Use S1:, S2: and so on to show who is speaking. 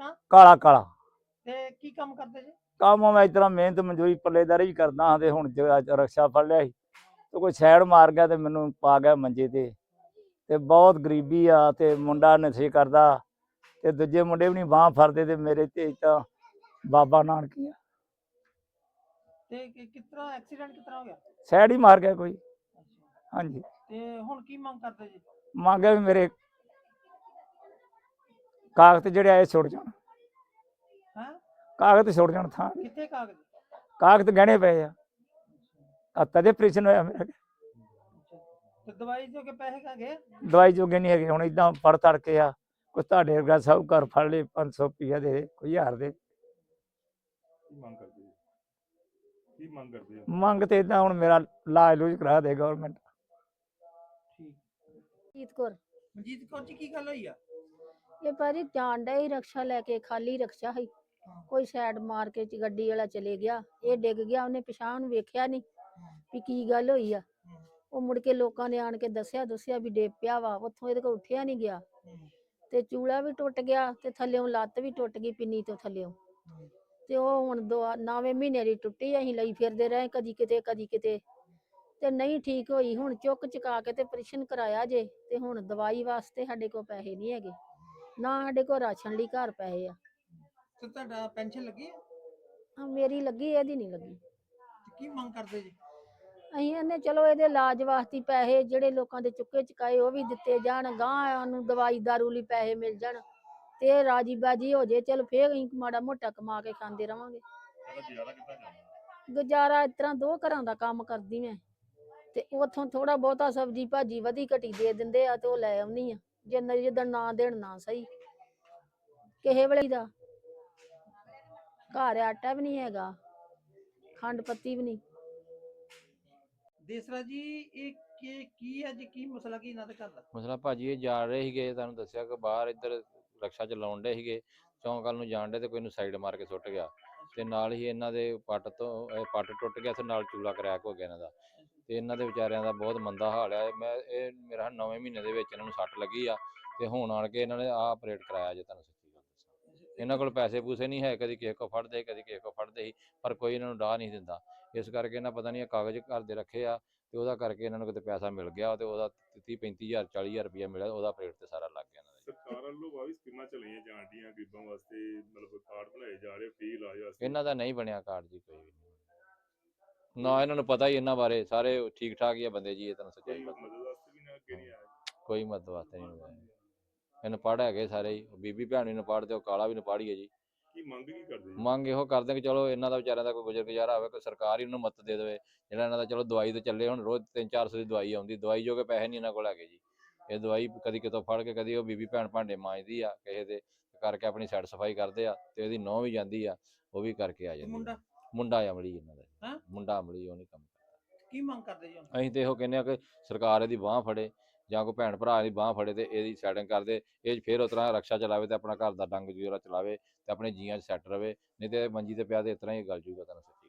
S1: ਨਾਂ
S2: ਕਾਲਾ ਕਾਲਾ
S1: ਤੇ ਕੀ ਕੰਮ ਕਰਦੇ ਜੀ?
S2: ਕੰਮ ਮੈਂ ਇਸ ਤਰ੍ਹਾਂ ਮਿਹਨਤ ਮਜ਼ਦੂਰੀ ਪੱਲੇਦਾਰੀ ਵੀ ਕਰਦਾ ਹਾਂ ਤੇ ਹੁਣ ਰਕਸ਼ਾ ਫੜ ਲਿਆ ਸੀ ਤੇ ਕੋਈ ਸਾਈਡ ਮਾਰ ਗਿਆ ਤੇ ਮੈਨੂੰ ਪਾ ਗਿਆ ਮੰਜੇ ਤੇ ਬਹੁਤ ਗਰੀਬੀ ਆ ਤੇ ਮੁੰਡਾ ਨਸ਼ੇ ਕਰਦਾ ਤੇ ਦੂਜੇ ਮੁੰਡੇ ਵੀ ਨਹੀਂ ਬਾਂਹ ਫੜਦੇ ਤੇ ਮੇਰੇ ਤੇ ਤਾਂ ਬਾਬਾ ਨਾਨਕ ਹੀ ਆ
S1: ਤੇ ਕਿਸ ਤਰ੍ਹਾਂ ਐਕਸੀਡੈਂਟ ਕਿਸ ਤਰ੍ਹਾਂ ਹੋ ਗਿਆ?
S2: ਸਾਈਡ ਹੀ ਮਾਰ ਗਿਆ ਕੋਈ।
S1: ਅੱਛਾ
S2: ਹਾਂਜੀ
S1: ਤੇ ਹੁਣ ਕੀ ਮੰਗ ਕਰਦੇ ਜੀ?
S2: ਮੰਗਿਆ ਵੀ ਮੇਰੇ ਕਾਗਜ਼ ਜਿਹੜੇ ਆਏ ਛੁੱਟ ਜਾਣ,
S1: ਹੈ
S2: ਕਾਗਜ਼ ਛੁੱਟ ਜਾਣ ਥਾਂ ਦੇ।
S1: ਕਿੱਥੇ ਕਾਗਜ਼?
S2: ਕਾਗਜ਼ ਗਹਿਣੇ ਪਏ ਆ ਤਦੇ ਆਪਰੇਸ਼ਨ ਹੋਇਆ ਮੇਰਾ।
S1: ਅੱਛਾ ਤੇ ਦਵਾਈ ਜੋ ਕੇ ਪੈਸੇ ਕਾ ਗਏ?
S2: ਦਵਾਈ ਜੋਗੇ ਨਹੀਂ ਹੈਗੇ ਹੁਣ ਇਦਾਂ ਫੜ ਤੜ ਕੇ ਆ ਕੋਈ ਤੁਹਾਡੇ ਵਰਗਾ ਸਭ ਘਰ ਫੜ ਲਏ 500 ਰੁਪਈਆ ਦੇ ਕੋਈ 1000 ਦੇ।
S3: ਕੀ ਮੰਗ ਕਰਦੇ ਜੀ? ਕੀ ਮੰਗ ਕਰਦੇ ਹੋ?
S2: ਮੰਗ ਤੇ ਇਦਾਂ ਹੁਣ ਮੇਰਾ ਇਲਾਜ ਲੂਜ ਕਰਾ ਦੇ ਗਵਰਨਮੈਂਟ।
S1: ਠੀਕ।
S4: ਮਨਜੀਤ ਕੌਰ।
S1: ਮਨਜੀਤ ਕੌਰ ਜੀ ਕੀ ਗੱਲ ਹੋਈ ਆ?
S4: ਇਹ ਭਾਜੀ ਜਾਣ ਡਿਆ ਸੀ ਰਕਸ਼ਾ ਲੈ ਕੇ, ਖਾਲੀ ਰਕਸ਼ਾ ਸੀ, ਕੋਈ ਸਾਈਡ ਮਾਰ ਕੇ ਗੱਡੀ ਵਾਲਾ ਚਲੇ ਗਿਆ, ਇਹ ਡਿੱਗ ਗਿਆ, ਉਹਨੇ ਪਿਛਾਂਹ ਨੂੰ ਵੇਖਿਆ ਨਹੀਂ ਵੀ ਕੀ ਗੱਲ ਹੋਈ ਆ। ਉਹ ਮੁੜ ਕੇ ਲੋਕਾਂ ਨੇ ਆਣ ਕੇ ਦੱਸਿਆ ਵੀ ਡਿੱਗ ਪਿਆ ਵਾ, ਉੱਥੋਂ ਇਹਦੇ ਕੋਲ ਉੱਠਿਆ ਨਹੀਂ ਗਿਆ ਤੇ ਚੂਲਾ ਵੀ ਟੁੱਟ ਗਿਆ ਤੇ ਥੱਲਿਓਂ ਲੱਤ ਵੀ ਟੁੱਟ ਗਈ ਪਿੰਨੀ ਤੋਂ ਥੱਲਿਓਂ। ਤੇ ਉਹ ਹੁਣ 9ਵੇਂ ਮਹੀਨੇ ਦੀ ਟੁੱਟੀ, ਅਸੀਂ ਲਈ ਫਿਰਦੇ ਰਹੇ ਕਦੀ ਕਿਤੇ ਤੇ ਨਹੀਂ ਠੀਕ ਹੋਈ। ਹੁਣ ਚੁੱਕ ਚੁਕਾ ਕੇ ਤੇ ਆਪਰੇਸ਼ਨ ਕਰਾਇਆ ਜੇ ਤੇ ਹੁਣ ਦਵਾਈ ਵਾਸਤੇ ਸਾਡੇ ਕੋਲ ਪੈਸੇ ਨਹੀਂ ਹੈਗੇ, ਨਾ ਸਾਡੇ ਕੋਲ ਰਾਸ਼ਨ ਲਈ ਘਰ ਪੈਸੇ ਆ।
S1: ਤੇ ਤੁਹਾਡਾ ਪੈਨਸ਼ਨ ਲੱਗੀ ਆ?
S4: ਮੇਰੀ ਲੱਗੀ, ਇਹਦੀ ਨਹੀਂ ਲੱਗੀ।
S1: ਤੇ ਕੀ ਮੰਗ ਕਰਦੇ ਜੀ?
S4: ਅਸੀਂ ਕਹਿੰਦੇ ਚਲੋ ਇਹਦੇ ਇਲਾਜ ਵਾਸਤੇ ਪੈਸੇ ਜਿਹੜੇ ਲੋਕਾਂ ਦੇ ਚੁੱਕੇ ਚੁਕਾਏ ਉਹ ਵੀ ਦਿੱਤੇ ਜਾਣ, ਗਾਂ ਨੂੰ ਦਵਾਈ ਦਾਰੂ ਲਈ ਪੈਸੇ ਮਿਲ ਜਾਣ ਤੇ ਇਹ ਰਾਜੀ ਬਾਜੀ ਹੋ ਜੇ, ਚਲ ਫੇਰ ਅਸੀਂ ਮਾੜਾ ਮੋਟਾ ਕਮਾ ਕੇ ਖਾਂਦੇ ਰਵਾਂਗੇ। ਗੁਜ਼ਾਰਾ ਇਸ ਤਰ੍ਹਾਂ 2 ਘਰਾਂ ਦਾ ਕੰਮ ਕਰਦੀ ਮੈਂ ਤੇ ਉਥੋਂ ਥੋੜਾ ਬਹੁਤਾ ਸਬਜ਼ੀ ਭਾਜੀ ਵਧੀ ਘਟੀ ਦੇ ਦਿੰਦੇ ਆ ਤੇ ਉਹ ਲੈ ਆਉਣੀ ਆ, ਜਿੱਦਣ ਨਾ ਦੇਣ ਨਾ ਸਹੀ। ਕਿਸੇ ਵੇਲੇ ਦਾ ਘਰ ਆਟਾ ਵੀ ਨਹੀਂ ਹੈਗਾ, ਖੰਡ ਪੱਤੀ ਵੀ ਨਹੀਂ।
S1: ਦੇਸਰਾ ਜੀ ਇਹ ਕੀ ਹੈ ਜੀ, ਕੀ ਮਸਲਾ ਕੀ ਇਹਨਾਂ ਦੇ ਘਰ ਦਾ?
S5: ਮਸਲਾ ਭਾਜੀ ਇਹ ਜਾ ਰਹੇ ਸੀਗੇ, ਤੁਹਾਨੂੰ ਦੱਸਿਆ ਕਿ ਬਾਹਰ ਇੱਧਰ ਰਕਸ਼ਾ ਚਲਾਉਣ ਡੇ ਸੀਗੇ, ਚੌਂਕ ਵੱਲ ਨੂੰ ਜਾਣ ਡੇ ਤੇ ਕੋਈ ਨੂੰ ਸਾਈਡ ਮਾਰ ਕੇ ਸੁੱਟ ਗਿਆ ਤੇ ਨਾਲ ਹੀ ਇਹਨਾਂ ਦੇ ਪੱਟ ਟੁੱਟ ਗਿਆ ਤੇ ਨਾਲ ਚੂਲਾ ਕਰੈਕ ਹੋ ਗਿਆ ਇਹਨਾਂ ਦਾ ਤੇ ਇਹਨਾਂ ਦੇ ਵਿਚਾਰਿਆਂ ਦਾ ਬਹੁਤ ਮੰਦਾ ਹਾਲ ਆ। ਇਹ ਮੇਰਾ 9ਵੇਂ ਮਹੀਨੇ ਦੇ ਵਿੱਚ ਇਹਨਾਂ ਨੂੰ ਸੱਟ ਲੱਗੀ ਆ ਤੇ ਹੁਣ ਆਣ ਕੇ ਇਹਨਾਂ ਨੇ ਆਹ ਆਪਰੇਟ ਕਰਾਇਆ ਜੇ। ਤੁਹਾਨੂੰ ਸੱਚੀ ਗੱਲ ਦੱਸਾਂ, ਇਹਨਾਂ ਕੋਲ ਪੈਸੇ ਪੂਸੇ ਨਹੀਂ ਹੈ, ਕਦੀ ਕਿਸੇ ਕੋ ਫੜਦੇ ਕਦੀ ਕਿਸੇ ਕੋ ਫੜਦੇ ਸੀ, ਪਰ ਕੋਈ ਇਹਨਾਂ ਨੂੰ ਡਾਹ ਨਹੀਂ ਦਿੰਦਾ। ਇਸ ਕਰਕੇ ਇਹਨਾਂ ਪਤਾ ਨਹੀਂ ਕਾਗਜ਼ ਘਰ ਦੇ ਰੱਖੇ ਆ ਤੇ ਉਹਦਾ ਕਰਕੇ ਇਹਨਾਂ ਨੂੰ ਕਿਤੇ ਪੈਸਾ ਮਿਲ ਗਿਆ ਤੇ ਉਹਦਾ 30-35 ਹਜ਼ਾਰ 40 ਹਜ਼ਾਰ ਰੁਪਇਆ ਮਿਲਿਆ, ਉਹਦਾ ਆਪਰੇਟ ਤੇ ਸਾਰਾ ਲੱਗ ਗਿਆ ਇਹਨਾਂ ਦਾ।
S3: ਸਰਕਾਰ ਵੱਲੋਂ ਵਾਹ ਵੀ ਸਕੀਮਾਂ ਚਲਾਈਆਂ ਜਾਣ ਡੀਆਂ ਗਰੀਬਾਂ ਵਾਸਤੇ, ਮਤਲਬ ਕਾਰਡ ਬਣਾਏ ਜਾ ਰਹੇ ਫ੍ਰੀ ਇਲਾਜ ਵਾਸਤੇ।
S5: ਇਹਨਾਂ ਦਾ ਨਹੀਂ ਬਣਿਆ ਕਾਰਡ ਜੀ, ਕੋਈ ਵੀ ਨਹੀਂ ਨਾ, ਇਹਨਾਂ ਨੂੰ ਪਤਾ ਹੀ ਇਹਨਾਂ ਬਾਰੇ, ਸਾਰੇ ਠੀਕ ਠਾਕ ਹੀ ਆ ਬੰਦੇ ਜੀ। ਇਹ ਤੁਹਾਨੂੰ ਸੱਚਾਈ
S3: ਕੋਈ
S5: ਪਤਾ,
S3: ਮਦਦ ਵਾਸਤੇ ਵੀ ਨਾ ਅੱਗੇ ਨਹੀਂ ਆਇਆ?
S5: ਕੋਈ ਮਦਦ ਵਾਸਤੇ ਨਹੀਂ ਹੋਇਆ। ਇਹਨੂੰ ਪੜ੍ਹ ਹੈਗੇ ਸਾਰੇ ਹੀ, ਬੀਬੀ ਭੈਣ ਵੀ ਨਪਾੜ ਤੇ ਉਹ ਕਾਲਾ ਵੀ ਨਪਾੜੀ ਹੈ ਜੀ।
S3: ਕੀ ਮੰਗ ਕੀ ਕਰਦੇ ਜੀ?
S5: ਮੰਗ ਇਹੋ ਕਰਦੇ ਕਿ ਚਲੋ ਇਹਨਾਂ ਦਾ ਵਿਚਾਰਿਆਂ ਦਾ ਕੋਈ ਗੁਜ਼ਰ ਗੁਜ਼ਾਰਾ ਹੋਵੇ, ਕੋਈ ਸਰਕਾਰ ਹੀ ਉਹਨੂੰ ਮਦਦ ਦੇ ਦੇਵੇ। ਜਿਹੜਾ ਇਹਨਾਂ ਦਾ ਚਲੋ ਦਵਾਈ ਤੇ ਚੱਲੇ, ਹੁਣ ਰੋਜ਼ 300-400 ਦੀ ਦਵਾਈ ਆਉਂਦੀ, ਦਵਾਈ ਜੋ ਕਿ ਪੈਸੇ ਨਹੀਂ ਇਹਨਾਂ ਕੋਲ ਹੈਗੇ ਜੀ। ਇਹ ਦਵਾਈ ਕਦੀ ਕਿਤੋਂ ਫੜ ਕੇ, ਕਦੀ ਉਹ ਬੀਬੀ ਭੈਣ ਭਾਂਡੇ ਮਾਂਜਦੀ ਆ ਕਿਸੇ ਦੇ ਕਰਕੇ, ਆਪਣੀ ਸਾਈਡ ਸਫਾਈ ਕਰਦੇ ਆ ਤੇ ਇਹਦੀ ਨੂੰਹ ਵੀ ਜਾਂਦੀ ਆ, ਉਹ ਵੀ ਕਰਕੇ ਆ ਜਾਂਦੀ। ਮੁੰਡਾ ਅਮਲੀ ਇਹਨਾਂ ਦਾ, ਮੁੰਡਾ ਅਮਲੀ, ਉਹ ਨਹੀਂ ਕੰਮ ਕਰਦਾ।
S1: ਕੀ ਮੰਗ ਕਰਦੇ ਜੀ?
S5: ਅਸੀਂ ਤੇ ਇਹੋ ਕਹਿੰਦੇ ਆ ਕਿ ਸਰਕਾਰ ਇਹਦੀ ਬਾਂਹ ਫੜੇ ਜਾਂ ਕੋਈ ਭੈਣ ਭਰਾ ਦੀ ਬਾਂਹ ਫੜੇ ਤੇ ਇਹਦੀ ਸੈਟਿੰਗ ਕਰਦੇ, ਇਹ ਫਿਰ ਉਸ ਤਰ੍ਹਾਂ ਰਕਸ਼ਾ ਚਲਾਵੇ ਤੇ ਆਪਣਾ ਘਰ ਦਾ ਡੰਗ ਜੂਰਾ ਚਲਾਵੇ ਤੇ ਆਪਣੇ ਜੀਆਂ 'ਚ ਸੈੱਟ ਰਵੇ, ਨਹੀਂ ਤੇ ਮੰਜੀ ਤੇ ਪਿਆ ਤੇ ਇਸ ਤਰ੍ਹਾਂ ਹੀ ਗੱਲ ਜੂਗਾ। ਤੁਹਾਨੂੰ ਸੱਚੀ